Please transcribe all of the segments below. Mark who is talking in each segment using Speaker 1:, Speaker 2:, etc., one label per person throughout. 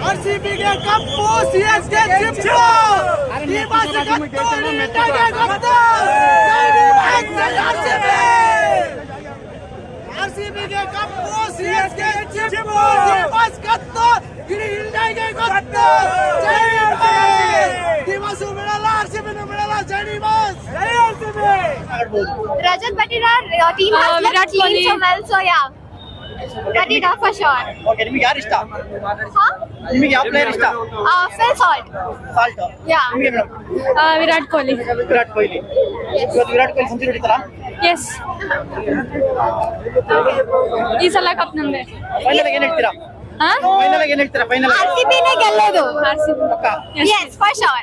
Speaker 1: ಆರ್ಸಿಬಿಗೆ ಕಪ್ಪು, CSK ಚಿಪ್ಪು. ಈ ಬಾರಿ ಕಪ್ಪು ಇಂಡಿಯಾಗೆ ಗೊತ್ತು. ಆರ್ಸಿಬಿಗೆ ಕಪ್ಪು, ಸಿಎಸ್ಕೆ ಚಿಪ್ಪು. ಈ ಬಾರಿ ಕತ್ತು ಇಡೀ ಇಂಡಿಯಾಗೆ ಗೊತ್ತು. ಜೈ ದಿವಸ ಬಿಡಲ್ಲ, ಆರ್ಸಿಬಿನೂ ಬಿಡಲ್ಲ. ಜೈ ದಿವಸ್, ಜೈ RCB.
Speaker 2: Rajat Patidar, your team has
Speaker 3: Virat
Speaker 2: played
Speaker 3: Kohli.
Speaker 2: so well, so yeah. Patidar for sure.
Speaker 1: Okay, ನಿಮಗೆ ಯಾರು ಇಷ್ಟ?
Speaker 2: Huh?
Speaker 1: ನಿಮಗೆ ಯಾವ ಪ್ಲೇಯರ್ ಇಷ್ಟ?
Speaker 2: Phil Salt.
Speaker 1: ಸಾಲ್ಟ್.
Speaker 2: Yeah.
Speaker 1: ನಿಮಗೆ ಮೇಡಮ್?
Speaker 3: ವಿರಾಟ್ ಕೊಹ್ಲಿ.
Speaker 1: ವಿರಾಟ್ ಕೊಹ್ಲಿ. ಇವತ್ತು ವಿರಾಟ್ ಕೊಹ್ಲಿ ಸೆಂಚುರಿ ಹೊಡಿತಾರಾ?
Speaker 3: ಎಸ್, ಈ ಸಲ ಕಪ್ ನಮ್ದೆ.
Speaker 1: ಫೈನಲ್ ಏನ್ ಹೇಳ್ತೀರಾ? ಫೈನಲ್ ಏನ್ ಹೇಳ್ತೀರಾ? ಫೈನಲ್
Speaker 2: RCB ನೇ ಗೆಲ್ಲೋದು.
Speaker 1: ಪಕ್ಕಾ?
Speaker 2: Yes, for sure.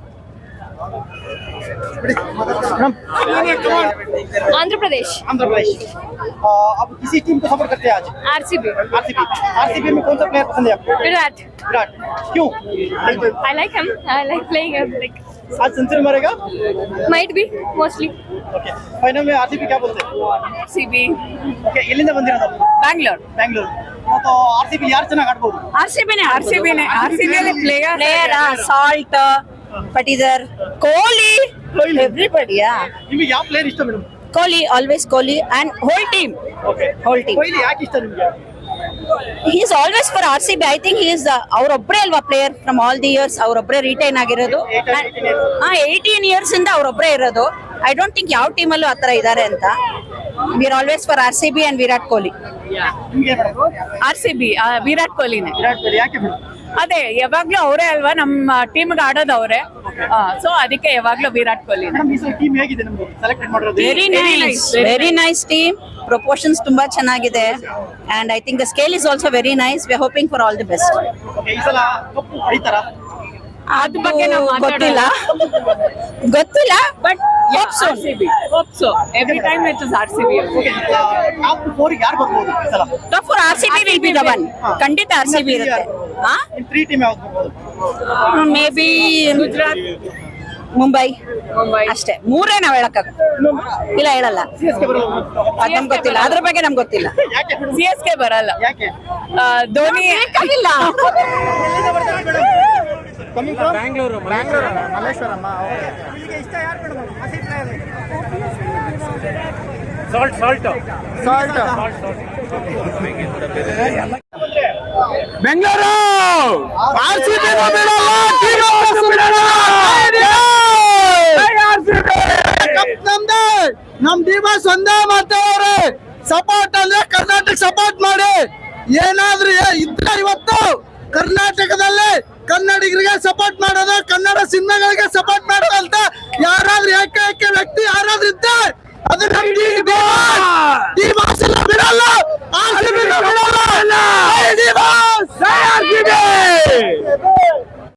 Speaker 3: आंध्र प्रदेश.
Speaker 1: आंध्र प्रदेश। आप किसी टीम को सपोर्ट करते हैं आज?
Speaker 3: आरसीबी.
Speaker 1: आरसीबी। आरसीबी में कौन सा प्लेयर पसंद है आपको?
Speaker 3: विराट.
Speaker 1: विराट। क्यों?
Speaker 3: I like him. I like playing him. Like
Speaker 1: आज सेंचुरी मारेगा?
Speaker 3: might be mostly.
Speaker 1: Okay, final में आरसीबी क्या बोलते हैं?
Speaker 3: RCB.
Speaker 1: ओके, ಎಲ್ಲಿಂದ ಬಂದಿರೋದು?
Speaker 3: Bangalore.
Speaker 1: ಬ್ಯಾಂಗ್ಳೂರ್. ಮತ್ತು ಆರ್ಸಿಬಿ ಯಾರು ಚೆನ್ನಾಗಿ ಆಡ್ಬೋದು?
Speaker 3: RCB ने
Speaker 4: player Salt, Patidar, Kohli, everybody, yeah.
Speaker 1: ನಿಮಗೆ ಯಾವ ಪ್ಲೇಯರ್ ಇಷ್ಟ madam?
Speaker 4: Kohli, always Kohli, and whole team.
Speaker 1: Okay,
Speaker 4: Whole team.
Speaker 1: Kohli ಯಾಕೆ ಇಷ್ಟ ನಿಮಗೆ?
Speaker 4: He is always for RCB. I think he is ಅವರೊಬ್ಬರೇ ಅಲ್ವಾ player from all the years. ಅವರೊಬ್ಬರೇ retain ಆಗಿರೋದು. 18 ಇಯರ್ಸ್ ಇಂದ ಅವರೊಬ್ಬರೇ ಇರೋದು. ಐ ಡೋಂಟ್ ಥಿಂಕ್ ಯಾವ ಟೀಮ್ ಅಲ್ಲೂ ಆತರ ಇದ್ದಾರೆ ಅಂತ. We are always for RCB and Virat Kohli.
Speaker 1: ನಿಮಗೆ ಮೇಡಮ್?
Speaker 3: RCB. ವಿರಾಟ್ ಕೊಹ್ಲಿನೇ.
Speaker 1: ವಿರಾಟ್ ಕೊಹ್ಲಿ ಯಾಕೆ ಮೇಡಮ್?
Speaker 3: ಅದೇ ಯಾವಾಗ್ಲೂ ಅವರೇ ಅಲ್ವಾ ನಮ್ಮ ಟೀಮ್ಗೆ ಆಡೋದು ಅವರೇ. ಸೊ ಅದಕ್ಕೆ ಯಾವಾಗ್ಲೂ ವಿರಾಟ್ ಕೊಹ್ಲಿ.
Speaker 1: ಮೇಡಮ್, ಈ ಸಲ ಟೀಮ್ ಹೇಗಿದೆ ನಮ್ದು ಸೆಲೆಕ್ಟ್ ಮಾಡಿರೋದು?
Speaker 4: Very nice team. ಪ್ರಪೋರ್ಷನ್ಸ್ ತುಂಬಾ ಚೆನ್ನಾಗಿದೆ. And I think the scale is also very nice. We are hoping for all the best.
Speaker 1: Okay, ಈ ಸಲ ಕಪ್ಪು ಹೊಡಿತಾರಾ?
Speaker 3: ಅದ್ರ ಬಗ್ಗೆ ನಾವು
Speaker 4: ಗೊತ್ತಿಲ್ಲ but
Speaker 3: hope so every time it is RCB.
Speaker 1: Okay, top 4 ಯಾರು ಬರ್ಬೋದು ಈ ಸಲ?
Speaker 4: Top four RCB will be the one. ಖಂಡಿತ RCB ಇರುತ್ತೆ.
Speaker 1: ಇನ್ 3 ಟೀಮ್ ಯಾವ್ದು ಬರ್ಬೋದು?
Speaker 4: ಮೇ ಬಿ
Speaker 3: ಗುಜರಾತ್,
Speaker 4: ಮುಂಬೈ ಅಷ್ಟೇ. ಮೂರೇ ನಾವ್ ಹೇಳಕ್ಕಾಗ ಇಲ್ಲ, ಹೇಳಲ್ಲ.
Speaker 1: CSK ಬರಲ್ಲ?
Speaker 4: ಅದ್ ನಮ್ಗೆ ಗೊತ್ತಿಲ್ಲ, ಅದ್ರ ಬಗ್ಗೆ ನಮ್ಗೆ ಗೊತ್ತಿಲ್ಲ.
Speaker 1: ಯಾಕೆ ಮೇಡಮ್?
Speaker 3: CSK ಬರಲ್ಲ.
Speaker 1: ಯಾಕೆ?
Speaker 3: ಧೋನಿ
Speaker 4: ಇಲ್ಲ.
Speaker 1: Coming from Bangalore, Malleswaram. ನಿಮಗೆ ಇಷ್ಟ ಯಾರು ಮೇಡಮ್? ಹಸಿ ಪ್ಲೇಯರ್ ಸಾಲ್ಟ್. ಬೆಂಗಳೂರು ಆರ್ಸಿಬಿ ನಮ್ ದಿವಸ್ ಒಂದೇ ಮಾತಾಡ್ರೆ ಸಪೋರ್ಟ್ ಅಂದ್ರೆ ಕರ್ನಾಟಕ ಸಪೋರ್ಟ್ ಮಾಡಿ. ಏನಾದ್ರೂ ಇದ್ರೆ ಇವತ್ತು ಕರ್ನಾಟಕದಲ್ಲಿ ಕನ್ನಡಿಗರಿಗೆ ಸಪೋರ್ಟ್ ಮಾಡೋದು, ಕನ್ನಡ ಸಿನಿಮಾಗಳಿಗೆ ಸಪೋರ್ಟ್ ಮಾಡೋದು ಅಂತ ಯಾರಾದ್ರೂ ಏಕೈಕ ವ್ಯಕ್ತಿ ಯಾರಾದ್ರೂ ಇದ್ದೆ ಅದು ನಮ್ ದಿವಸ್ ಬಿಡಲ್ಲ. ಆರ್ಸಿಬಿ ಬಿಡಲ್ಲ.